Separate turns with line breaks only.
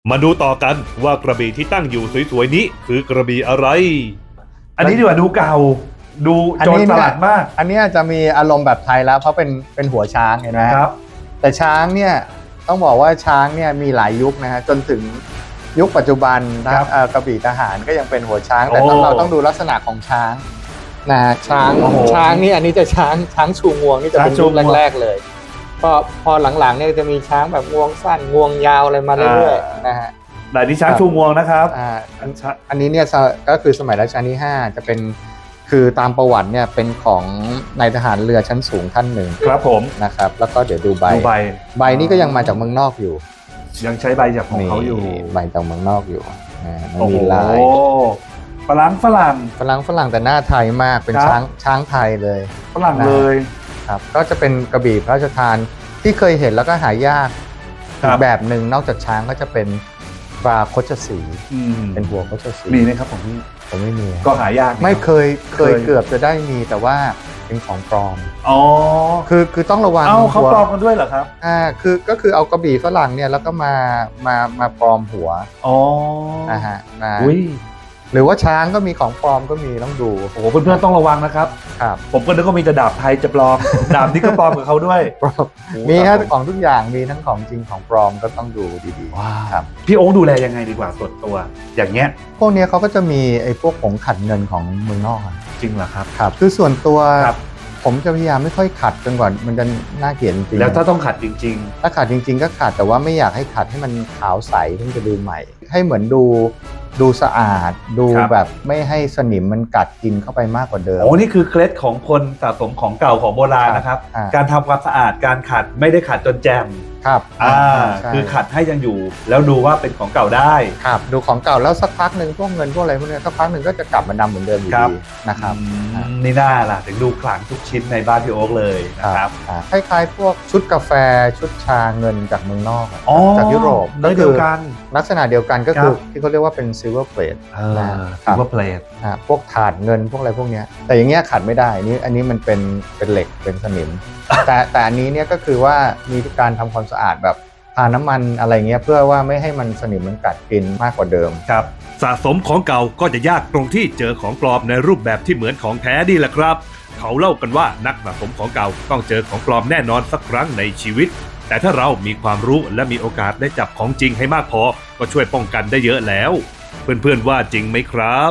มาดูต่อกันว่ากระบี่ที่ตั้งอยู่สวยๆนี้คือกระบี่อะไร
อันนี้ดีกว่าดูเก่าดูโจรสลัดมาก
อันนี้จะมีอารมณ์แบบไทยแล้วเพราะเป็นหัวช้างเห็นไหม
ครับ
แต่ช้างเนี่ยต้องบอกว่าช้างเนี่ยมีหลายยุคนะฮะจนถึงยุคปัจจุบันกระบี่ทหารก็ยังเป็นหัวช้างแต่เราต้องดูลักษณะของช้างนะช้างนี่อันนี้จะช้างชูงวงนี่จะเป็นยุคแรกๆเลยพอหลังๆเนี่ยจะมีช้างแบบงวงสั้นงวงยาวอะไรมาเรื่อยๆนะฮะ
แต่นี่ช้างชูงวงนะครับ
อันนี้เนี่ยก็คือสมัยรัชกาลที่5จะเป็นคือตามประวัติเนี่ยเป็นของนายทหารเรือชั้นสูงท่านหนึ่ง
ครับผม
นะครับแล้วก็เดี๋ยวดูใบนี้ก็ยังมาจากเมืองนอกอยู่
ยังใช้ใบจากของเขาอยู่
ใบจากเมืองนอกอยู่มีลาย
ฝรั่ง
แต่หน้าไทยมากเป็นช้างไทยเลย
ฝรั่งเลย
ครับก็จะเป็นกระบี่พระราชทานที่เคยเห็นแล้วก็หายากอีกแบบหนึ่งนอกจากช้างก็จะเป็นปลาโคชสีเป็นหัวโคชสี
มีไหมครับผม
ไม่มี
ก็หายาก
ไม่เคยเกือบจะได้มีแต่ว่าเป็นของปลอม
อ๋อ
คือต้องระวัง
เขาปลอมกันด้วยเหรอครับ
ก็คือเอากระบี่ฝรั่งเนี่ยแล้วก็มาปลอมหัว
อ๋อ
ฮะหรือว่าช้างก็มีของปลอมก็มีต้องดู
โอ้โหเพื่อนๆต้องระวังนะครับ
ครับ
ผมก็นึกว่ามีแต่ดาบไทยจะปลอมดาบนี่ก็ปลอมกับเขาด้วย
มีครับของทุกอย่างมีทั้งของจริงของปลอมก็ต้องดูดี
ๆครับพี่โอ๊คดูแลยังไงดีกว่าส่วนตัวอย่างเงี้ย
พวกนี้เขาก็จะมีไอ้พวกผงขัดเงินของเมืองนอก
จริงเหรอครับ
ครับคือส่วนตัวผมจะพยายามไม่ค่อยขัดจนกว่ามันจะน่าเกลียดจริง
แล้วถ้าต้องขัดจริง
ๆถ้าขัดจริงๆก็ขัดแต่ว่าไม่อยากให้ขัดให้มันขาวใสที่จะดูใหม่ให้เหมือนดูสะอาดดูแบบไม่ให้สนิมมันกัดกินเข้าไปมากกว่าเดิม
โอ้นี่คือเคล็ดของคนสะสมของเก่าของโบราณนะครับการทำความสะอาดการขัดไม่ได้ขัดจนแจม
ครับ
คือขัดให้ยังอยู่แล้วดูว่าเป็นของเก่าได้
ครับดูของเก่าแล้วสักพักหนึ่งพวกเงินพวกอะไรพวกนี้สักพักหนึ่งก็จะกลับมาดำเหมือนเดิมอยู่ดีนะครับ
นี่น่าล่ะถึงดูขลังทุกชิ้นในบ้านพี่โอ๊คเลยนะครับ
คล้ายๆพวกชุดกาแฟชุดชาเงินจากเมืองนอกจากยุโรป
เดียวกัน
ลักษณะเดียวกันก็คือที่เขาเรียกว่าเป็นซิลเวอร์เพลท
ซิลเวอร์เพลท
พวกถาดเงินพวกอะไรพวกนี้แต่อย่างเงี้ยขัดไม่ได้อันนี้มันเป็นเหล็กเป็นสนิมแต่อันนี้เนี่ยก็คือว่ามีการทำความสะอาดแบบทาน้ำมันอะไรเงี้ยเพื่อว่าไม่ให้มันสนิมมันกัดกินมากกว่าเดิม
ครับสะสมของเก่าก็จะยากตรงที่เจอของปลอมในรูปแบบที่เหมือนของแท้นี่แหละครับเขาเล่ากันว่านักสะสมของเก่าต้องเจอของปลอมแน่นอนสักครั้งในชีวิตแต่ถ้าเรามีความรู้และมีโอกาสได้จับของจริงให้มากพอก็ช่วยป้องกันได้เยอะแล้วเพื่อนๆว่าจริงไหมครับ